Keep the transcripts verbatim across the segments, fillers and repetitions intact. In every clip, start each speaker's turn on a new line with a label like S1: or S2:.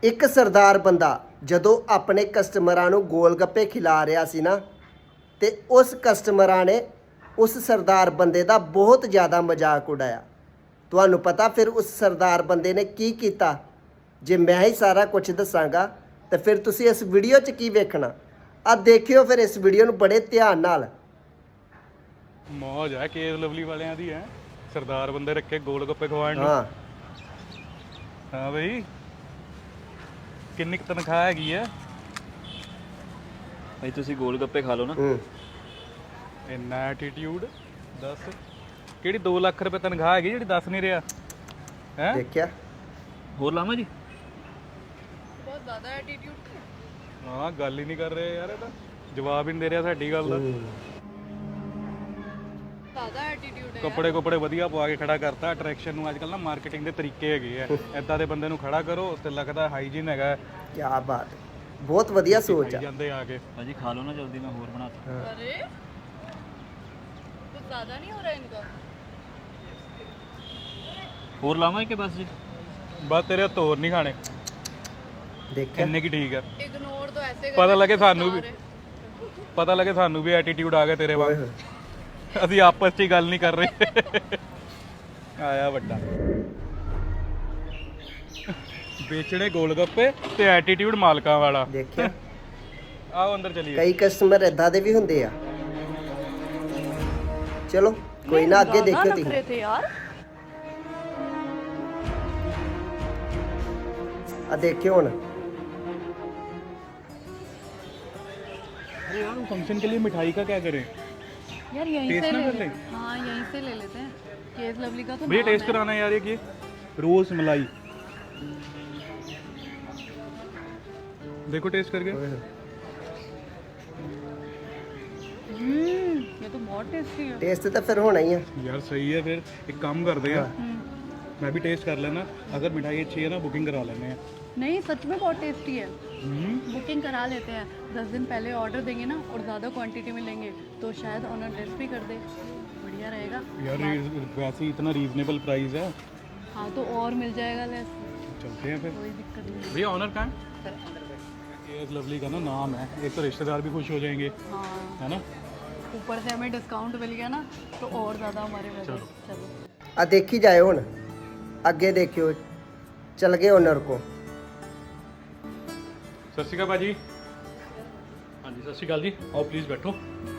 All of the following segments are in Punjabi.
S1: ਇੱਕ ਸਰਦਾਰ ਬੰਦਾ ਜਦੋਂ ਆਪਣੇ ਕਸਟਮਰਾਂ ਨੂੰ ਗੋਲ ਗੱਪੇ ਖਿਲਾ ਰਿਹਾ ਸੀ ਨਾ, ਤੇ ਉਸ ਕਸਟਮਰਾਂ ਨੇ ਉਸ ਸਰਦਾਰ ਬੰਦੇ ਦਾ ਬਹੁਤ ਜ਼ਿਆਦਾ ਮਜ਼ਾਕ ਉਡਾਇਆ। ਤੁਹਾਨੂੰ ਪਤਾ ਫਿਰ ਉਸ ਸਰਦਾਰ ਬੰਦੇ ਨੇ ਕੀ ਕੀਤਾ? ਜੇ ਮੈਂ ਹੀ ਸਾਰਾ ਕੁਝ ਦੱਸਾਂਗਾ ਤਾਂ ਫਿਰ ਤੁਸੀਂ ਇਸ ਵੀਡੀਓ 'ਚ ਕੀ ਵੇਖਣਾ? ਆ ਦੇਖਿਓ ਫਿਰ ਇਸ ਵੀਡੀਓ ਨੂੰ ਬੜੇ ਧਿਆਨ ਨਾਲ।
S2: ਮੌਜ ਹੈ ਕੇਸ ਲਵਲੀ ਵਾਲਿਆਂ ਦੀ ਹੈ, ਸਰਦਾਰ ਬੰਦੇ ਰੱਖੇ ਗੋਲ ਗੱਪੇ ਖਵਾਉਣ ਨੂੰ।
S1: ਹਾਂ
S2: ਹਾਂ ਬਈ, ਕਿੰਨੀ ਕੁ ਤਨਖਾਹ ਹੈਗੀ ਹੈ?
S3: ਭਾਈ ਤੁਸੀਂ ਗੋਲ ਗੱਪੇ ਖਾ ਲਓ ਨਾ।
S1: ਹੂੰ
S2: ਇੰਨਾ ਐਟੀਟਿਊਡ ਦੱਸ, ਕਿਹੜੀ ਦੋ ਲੱਖ ਰੁਪਏ ਤਨਖਾਹ ਹੈਗੀ ਜਿਹੜੀ ਦੱਸ ਨਹੀਂ ਰਿਹਾ ਹੈ?
S1: ਦੇਖਿਆ?
S3: ਹੋਰ ਲਾਵਾਂ ਜੀ?
S4: ਬਹੁਤ ਜ਼ਿਆਦਾ ਐਟੀਟਿਊਡ
S2: ਹਾਂ, ਗੱਲ ਹੀ ਨਹੀਂ ਕਰ ਰਹੇ ਯਾਰ, ਇਹ ਤਾਂ ਜਵਾਬ ਹੀ ਨਹੀਂ ਦੇ ਰਿਹਾ ਸਾਡੀ ਗੱਲ ਦਾ।
S4: ਜ਼ਿਆਦਾ ਐਟੀਟਿਊਡ ਹੈ।
S2: ਕੱਪੜੇ ਕੁਪੜੇ ਵਧੀਆ ਪਵਾ ਕੇ ਖੜਾ ਕਰਤਾ। ਅਟਰੈਕਸ਼ਨ ਨੂੰ ਅੱਜ ਕੱਲ੍ਹ ਨਾ ਮਾਰਕੀਟਿੰਗ ਦੇ ਤਰੀਕੇ ਹੈਗੇ ਆ, ਐਦਾਂ ਦੇ ਬੰਦੇ ਨੂੰ ਖੜਾ ਕਰੋ ਤੇ ਲੱਗਦਾ ਹਾਈਜੀਨ ਹੈਗਾ।
S1: ਕੀ ਬਾਤ ਹੈ, ਬਹੁਤ ਵਧੀਆ ਸੋਚ ਆ।
S2: ਜਾਂਦੇ ਆ ਕੇ
S3: ਭਾਜੀ ਖਾ ਲਓ ਨਾ ਜਲਦੀ, ਮੈਂ ਹੋਰ ਬਣਾਤਾ।
S4: अरे कुछ ज़्यादा नहीं हो रहा है इनका?
S3: ਹੋਰ ਲਾਵਾਂ ਕਿ ਬਸ ਜੀ?
S2: ਬਸ ਤੇਰੇ ਹੱਥ ਹੋਰ ਨਹੀਂ ਖਾਣੇ।
S1: ਦੇਖਿਆ?
S2: ਕਿੰਨੇ ਕੀ ਠੀਕ ਆ,
S4: इग्नोर तो ऐसे
S2: ਪਤਾ
S4: करते
S2: ਲੱਗੇ
S4: हैं,
S2: ਸਾਨੂੰ ਵੀ,
S4: सारे।
S2: ਪਤਾ ਲੱਗੇ ਸਾਨੂੰ ਵੀ ਐਟੀਟਿਊਡ ਆ ਗਿਆ ਤੇਰੇ
S1: ਓਏ
S2: ਵਾਂਗ।
S1: ਹੋਏ।
S2: ਅਸੀਂ ਆਪਸ 'ਚ ਹੀ ਗੱਲ ਨਹੀਂ ਕਰ ਰਹੇ। ਆਇਆ ਵੱਡਾ ਵੇਚਣੇ ਗੋਲ ਗੱਪੇ ਤੇ ਐਟੀਟਿਊਡ ਮਾਲਕਾਂ ਵਾਲਾ।
S1: ਦੇਖਿਆ?
S2: ਆਓ ਅੰਦਰ ਚਲੀਏ।
S1: ਕਈ ਕਸਟਮਰ ਇਦਾਂ ਦੇ ਵੀ ਹੁੰਦੇ ਆ। ਚਲੋ ਕੋਈ ਨਾ, ਅੱਗੇ ਦੇਖਿਓ ਤੁਸੀਂ।
S4: नखरे थे यार।
S1: ਆ ਦੇਖਿਓ ਹੁਣ।
S2: अरे यार, फंक्शन के लिए मिठाई का क्या करें?
S4: यार यहीं
S2: टेस्ट
S4: से
S2: ना
S4: ले
S2: कर
S4: ले।
S2: लें?
S4: हाँ यहीं से ले लेते हैं। केस लवली का तो
S2: भैया
S4: नाम
S2: टेस्ट
S4: है।
S2: कराना है यार, ये रोज मलाई। देखो टेस्ट करके।
S4: हम्म, ये तो बहुत टेस्टी है।
S1: ਟੇਸਟ ਤਾਂ ਫਿਰ ਹੋਣਾ ਹੀ ਆ।
S2: यार सही है, फिर एक काम करते हैं, मैं भी टेस्ट कर लेना। अगर मिठाई अच्छी है ना, बुकिंग करा लेने हैं।
S4: नहीं सच में बहुत टेस्टी है।
S2: हम्म,
S4: बुकिंग करा लेते हैं। दस दिन पहले ऑर्डर देंगे ना और ज़्यादा क्वांटिटी में लेंगे तो शायद ऑनर लेस भी कर दे। बढ़िया रहेगा।
S2: यार ये वैसे ही इतना रीजनेबल प्राइस है।
S4: हाँ तो और मिल जाएगा लेस,
S2: चलते हैं फिर।
S4: कोई दिक्कत नहीं
S2: भैया ऑनर कहाँ है? केएस लवली का ना नाम है, एक तो रिश्तेदार भी खुश हो जाएंगे,
S4: हाँ,
S2: है ना?
S4: ऊपर से हमें डिस्काउंट मिल गया ना तो और ज़्यादा हमारे वजह। चलो
S1: ਆ ਦੇਖੀ ਜਾਏ ਹੁਣ, ਅੱਗੇ ਦੇਖਿਓ। ਚਲ ਗਏ ਓਨਰ ਕੋ।
S2: सत श्री अकाल भाजी। हाँ जी, सत श्री अकाल जी, आओ प्लीज़ बैठो।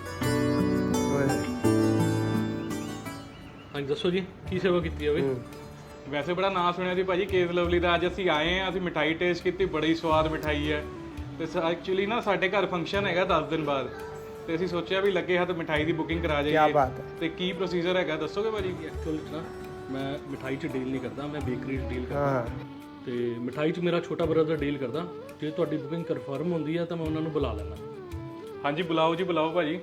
S2: हाँ जी दसो जी, की सेवा की है बई? ਵੈਸੇ ਬੜਾ ਨਾਂ ਸੁਣਿਆ ਸੀ ਭਾਜੀ ਕੇਸ ਲਵਲੀ ਦਾ। ਅੱਜ ਅਸੀਂ ਆਏ ਆ, ਅਸੀਂ ਮਿਠਾਈ ਟੇਸਟ ਕੀਤੀ, ਬੜੀ ਸਵਾਦ ਮਿਠਾਈ ਹੈ। ਤੇ ਐਕਚੁਅਲੀ ਨਾ ਸਾਡੇ ਘਰ ਫੰਕਸ਼ਨ ਹੈਗਾ ਦਸ ਦਿਨ ਬਾਅਦ, ਤੇ ਅਸੀਂ ਸੋਚਿਆ ਵੀ ਲੱਗੇ ਹੱਥ ਮਿਠਾਈ ਦੀ ਬੁਕਿੰਗ ਕਰਾ
S1: ਕੀ
S2: ਜਾਈਏ।
S1: ਬਾਤ ਹੈ।
S2: ਤੇ ਕੀ ਪ੍ਰੋਸੀਜਰ ਹੈਗਾ ਦੱਸੋਗੇ ਭਾਜੀ? ਐਕਚੁਅਲੀ ਨਾ ਮੈਂ ਮਿਠਾਈ 'ਚ ਡੀਲ ਨਹੀਂ ਕਰਦਾ, ਮੈਂ ਬੇਕਰੀ 'ਚ ਡੀਲ ਕਰਦਾ।
S1: ਹਾਂ
S5: ਤੇ ਮਿਠਾਈ 'ਚ ਮੇਰਾ ਛੋਟਾ ਬ੍ਰਦਰ ਡੀਲ ਕਰਦਾ। ਜੇ ਤੁਹਾਡੀ ਬੁਕਿੰਗ ਕਨਫਰਮ ਹੁੰਦੀ ਹੈ ਤਾਂ ਮੈਂ ਉਹਨਾਂ ਨੂੰ ਬੁਲਾ ਲੈਣਾ।
S2: ਹਾਂਜੀ ਬੁਲਾਓ ਜੀ, ਬੁਲਾਓ ਭਾਜੀ।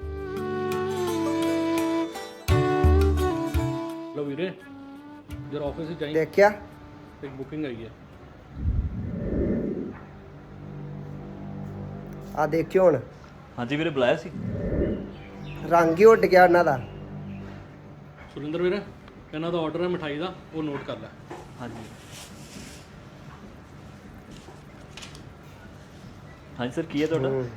S5: ਲਓ ਵੀਰੇ, ਜਰਾ ਆਫਿਸ 'ਚ ਜਾਈਂ,
S1: ਦੇਖਿਆ?
S5: ਇੱਕ ਬੁਕਿੰਗ ਆਈ ਹੈ।
S1: ਆ ਦੇਖਿਓ ਹੁਣ,
S3: ਹਾਂਜੀ ਵੀਰੇ ਬੁਲਾਇਆ ਸੀ।
S1: ਰੰਗ ਹੀ ਉੱਡ ਗਿਆ ਉਹਨਾਂ ਦਾ।
S5: ਸੁਰਿੰਦਰ ਵੀਰੇ, ਇਹਨਾਂ ਦਾ ਆਰਡਰ ਹੈ ਮਿਠਾਈ ਦਾ, ਉਹ ਨੋਟ ਕਰ ਲੈ।
S3: ਹਾਂਜੀ ਹਾਂਜੀ ਸਰ, ਕੀ ਹੈ ਤੁਹਾਡਾ?
S1: ਹੂੰ।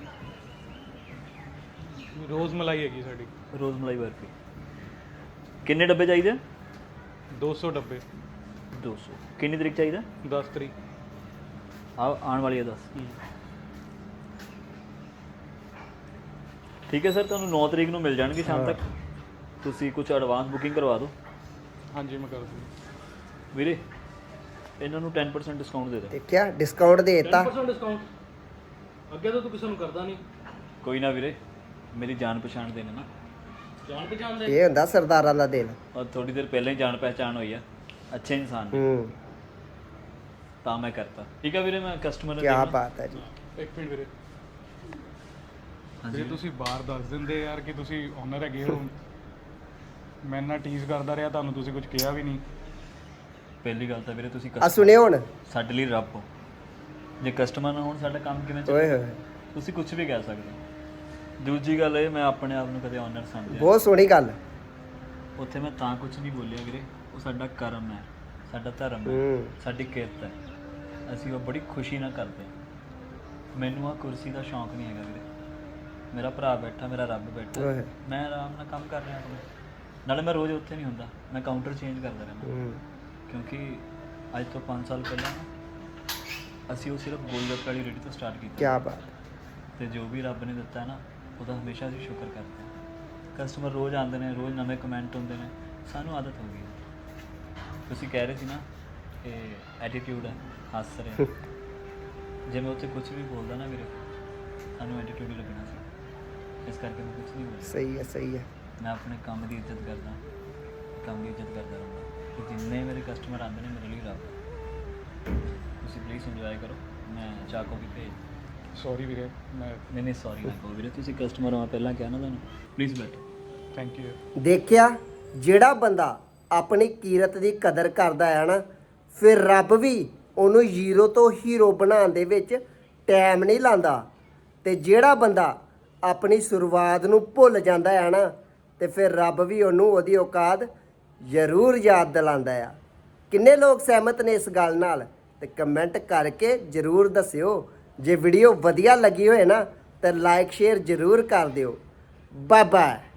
S2: ਰੋਜ਼ ਮਲਾਈ ਹੈਗੀ ਸਾਡੀ,
S3: ਰੋਜ਼ ਮਲਾਈ ਬਰਫੀ। ਕਿੰਨੇ ਡੱਬੇ ਚਾਹੀਦੇ?
S2: ਦੋ ਸੌ ਡੱਬੇ।
S3: ਦੋ ਸੌ। ਕਿੰਨੀ ਤਰੀਕ ਚਾਹੀਦਾ?
S2: ਦਸ ਤਰੀਕ।
S3: ਆ ਆਉਣ ਵਾਲੀ ਹੈ ਦਸ। ਠੀਕ ਹੈ ਸਰ, ਤੁਹਾਨੂੰ ਨੌ ਤਰੀਕ ਨੂੰ ਮਿਲ ਜਾਣਗੇ ਸ਼ਾਮ ਤੱਕ। ਤੁਸੀਂ ਕੁਝ ਐਡਵਾਂਸ ਬੁਕਿੰਗ ਕਰਵਾ ਦਿਓ।
S2: ਹਾਂਜੀ ਮੈਂ ਕਰ ਦੂੰ
S3: ਵੀਰੇ, ਇਹਨਾਂ ਨੂੰ ਦਸ ਪਰਸੈਂਟ ਡਿਸਕਾਊਂਟ ਦੇ ਦੇ।
S1: ਦੇਖਿਆ? ਡਿਸਕਾਊਂਟ ਦੇ ਦਿੱਤਾ।
S5: ਦਸ ਪਰਸੈਂਟ ਡਿਸਕਾਊਂਟ? ਅੱਗੇ ਤਾਂ ਤੂੰ ਕਿਸੇ ਨੂੰ ਕਰਦਾ ਨਹੀਂ।
S3: ਕੋਈ ਨਾ ਵੀਰੇ, ਮੇਰੀ ਜਾਣ ਪਛਾਣ ਦੇ ਨੇ ਨਾ।
S5: ਜਾਣ ਪਛਾਣ ਦੇ।
S1: ਇਹ ਹੁੰਦਾ ਸਰਦਾਰਾਂ ਦਾ ਦਿਲ।
S3: ਔਰ ਥੋੜੀ ਦੇਰ ਪਹਿਲਾਂ ਹੀ ਜਾਣ ਪਹਿਚਾਣ ਹੋਈ ਆ, ਅੱਛੇ ਇਨਸਾਨ ਨੇ,
S1: ਹੂੰ,
S3: ਤਾਂ ਮੈਂ ਕਰਤਾ। ਠੀਕ ਹੈ ਵੀਰੇ, ਮੈਂ ਕਸਟਮਰ ਨੂੰ
S1: ਕੀ
S3: ਦੇਖਣਾ।
S1: ਬਾਤ ਹੈ ਜੀ।
S2: ਇੱਕ ਮਿੰਟ ਵੀਰੇ।
S3: ਹਾਂਜੀ
S2: ਜੇ ਤੁਸੀਂ ਬਾਹਰ ਦੱਸ ਦਿੰਦੇ ਯਾਰ ਕਿ ਤੁਸੀਂ ਓਨਰ ਹੈਗੇ ਹੋ, ਮੈਂ ਨਾ ਟੀਜ਼ ਕਰਦਾ ਰਿਹਾ ਤੁਹਾਨੂੰ, ਤੁਸੀਂ ਕੁਝ ਕਿਹਾ ਵੀ ਨਹੀਂ।
S3: ਪਹਿਲੀ ਗੱਲ ਤਾਂ ਵੀਰੇ ਤੁਸੀਂ
S1: ਆ
S3: customer-
S1: ਸੁਣਿਓ ਹੁਣ।
S3: ਸਾਡੇ ਲਈ ਰੱਬ ਹੋ। ਜੇ ਕਸਟਮਰ ਨਾ ਹੋਣ ਸਾਡਾ ਕੰਮ ਕਿਵੇਂ
S1: ਓਏ
S3: ਚੱਲੇ?
S1: ਹੋਏ,
S3: ਤੁਸੀਂ ਕੁਝ ਵੀ ਕਹਿ ਸਕਦੇ ਹੋ। ਦੂਜੀ ਗੱਲ ਇਹ, ਮੈਂ ਆਪਣੇ ਆਪ ਨੂੰ ਕਦੇ ਓਨਰ ਸਮਝਿਆ।
S1: ਬਹੁਤ ਸੋਹਣੀ ਗੱਲ।
S3: ਉੱਥੇ ਮੈਂ ਤਾਂ ਕੁਝ ਨਹੀਂ ਬੋਲਿਆ ਵੀਰੇ, ਉਹ ਸਾਡਾ ਕਰਮ ਹੈ, ਸਾਡਾ ਧਰਮ ਹੈ,
S1: ਹੂੰ।
S3: ਸਾਡੀ ਕਿਰਤ ਹੈ। ਅਸੀਂ ਉਹ ਬੜੀ ਖੁਸ਼ੀ ਨਾਲ ਕਰਦੇ ਹਾਂ। ਮੈਨੂੰ ਆ ਕੁਰਸੀ ਦਾ ਸ਼ੌਂਕ ਨਹੀਂ ਹੈਗਾ ਵੀਰੇ। ਮੇਰਾ ਭਰਾ ਬੈਠਾ, ਮੇਰਾ ਰੱਬ ਬੈਠਾ,
S1: ਓਏ।
S3: ਮੈਂ ਆਰਾਮ ਨਾਲ ਕੰਮ ਕਰ ਰਿਹਾ ਆਪਣੇ। ਨਾਲੇ ਮੈਂ ਰੋਜ਼ ਉੱਥੇ ਨਹੀਂ ਹੁੰਦਾ, ਮੈਂ ਕਾਊਂਟਰ ਚੇਂਜ ਕਰਦਾ ਰਹਿੰਦਾ।
S1: ਹੂੰ
S3: ਕਿਉਂਕਿ ਅੱਜ ਤੋਂ ਪੰਜ ਸਾਲ ਪਹਿਲਾਂ ਨਾ ਅਸੀਂ ਉਹ ਸਿਰਫ ਗੋਲਗੱਪੇ ਵਾਲੀ ਰੇਹੜੀ ਤੋਂ ਸਟਾਰਟ ਕੀਤਾ
S1: ਕੀ ਬਾਤ।
S3: ਤੇ ਜੋ ਵੀ ਰੱਬ ਨੇ ਦਿੱਤਾ ਨਾ ਉਹਦਾ ਹਮੇਸ਼ਾ ਅਸੀਂ ਸ਼ੁਕਰ ਕਰਦੇ ਹਾਂ। ਕਸਟਮਰ ਰੋਜ਼ ਆਉਂਦੇ ਨੇ, ਰੋਜ਼ ਨਵੇਂ ਕਮੈਂਟ ਹੁੰਦੇ ਨੇ, ਸਾਨੂੰ ਆਦਤ ਹੋ ਗਈ ਹੈ। ਤੁਸੀਂ ਕਹਿ ਰਹੇ ਸੀ ਨਾ ਕਿ ਐਟੀਟਿਊਡ ਹੈ, ਹੱਸ ਰਹੇ ਜੇ ਮੈਂ ਉੱਥੇ ਕੁਝ ਵੀ ਬੋਲਦਾ ਨਾ ਵੀਰੇ, ਸਾਨੂੰ ਐਟੀਟਿਊਡ ਹੀ ਲੱਗਣਾ ਸੀ। ਇਸ ਕਰਕੇ ਮੈਂ ਕੁਝ ਨਹੀਂ ਬੋਲਦਾ।
S1: ਸਹੀ ਹੈ ਸਹੀ ਹੈ।
S3: ਮੈਂ ਆਪਣੇ ਕੰਮ ਦੀ ਇੱਜ਼ਤ ਕਰਦਾ, ਕੰਮ ਦੀ ਇੱਜ਼ਤ ਕਰਦਾ ਰਹਿੰਦਾ ਕਿ ਜਿੰਨੇ ਮੇਰੇ ਕਸਟਮਰ ਆਉਂਦੇ ਨੇ ਮੇਰੇ ਲਈ ਰੱਬ ਹੈ। ਤੁਸੀਂ ਪਲੀਜ਼ ਇੰਜੋਏ ਕਰੋ। ਮੈਂ ਚਾਕੋ ਵੀ ਭੇਜ
S2: ਸੌਰੀ ਵੀਰੇ, ਮੈਂ
S3: ਨਹੀਂ ਨਹੀਂ ਸੌਰੀ ਨਾ ਕਹੋ ਵੀਰੇ, ਤੁਸੀਂ ਕਸਟਮਰ ਹੋ, ਮੈਂ ਪਹਿਲਾਂ ਕਿਹਾ ਨਾ ਤੁਹਾਨੂੰ। ਪਲੀਜ਼ ਬੈਠੋ।
S2: Thank you.
S1: ਦੇਖਿਆ, ਜਿਹੜਾ ਬੰਦਾ ਆਪਣੀ ਕੀਰਤ ਦੀ ਕਦਰ ਕਰਦਾ ਹੈ ਨਾ, ਫਿਰ ਰੱਬ ਵੀ ਉਹਨੂੰ ਜ਼ੀਰੋ ਤੋਂ ਹੀਰੋ ਬਣਾਉਣ ਦੇ ਵਿੱਚ ਟਾਈਮ ਨਹੀਂ ਲਾਉਂਦਾ। ਤੇ ਜਿਹੜਾ ਬੰਦਾ ਆਪਣੀ ਸ਼ੁਰੂਆਤ ਨੂੰ ਭੁੱਲ ਜਾਂਦਾ ਹੈ ਨਾ, ਤੇ ਫਿਰ ਰੱਬ ਵੀ ਉਹਨੂੰ ਉਹਦੀ ਔਕਾਤ ਜ਼ਰੂਰ ਯਾਦ ਦਿਲਾਉਂਦਾ ਆ। ਕਿੰਨੇ ਲੋਕ ਸਹਿਮਤ ਨੇ ਇਸ ਗੱਲ ਨਾਲ? ਤੇ ਕਮੈਂਟ ਕਰਕੇ ਜ਼ਰੂਰ ਦੱਸਿਓ। ਜੇ ਵੀਡੀਓ ਵਧੀਆ ਲੱਗੀ ਹੋਏ ਨਾ ਤਾਂ ਲਾਈਕ ਸ਼ੇਅਰ ਜ਼ਰੂਰ ਕਰ ਦਿਓ। Bye bye.